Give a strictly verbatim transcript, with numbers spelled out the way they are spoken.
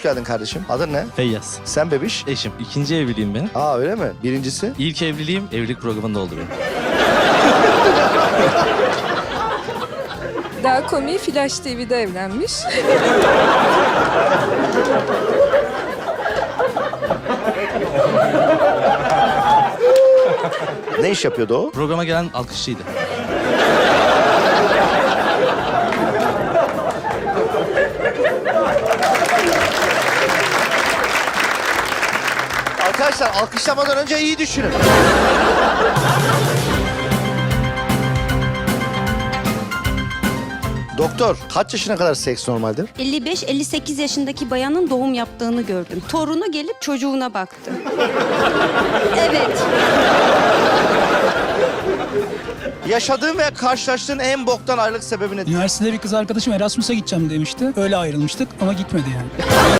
Hoş geldin kardeşim. Adın ne? Feyyaz. Sen bebiş. Eşim. İkinci evliliğim benim. Aa öyle mi? Birincisi? İlk evliliğim evlilik programında oldu benim. Daha komiği Flash T V'de evlenmiş. Ne iş yapıyordu o? Programa gelen alkışçıydı. Arkadaşlar alkışlamadan önce iyi düşünün. Doktor, kaç yaşına kadar seks normaldir? elli beş elli sekiz yaşındaki bayanın doğum yaptığını gördüm. Torunu gelip çocuğuna baktı. Evet. Yaşadığın ve karşılaştığın en boktan ayrılık sebebi nedir? Üniversitede bir kız arkadaşım Erasmus'a gideceğim demişti. Öyle ayrılmıştık ama gitmedi yani.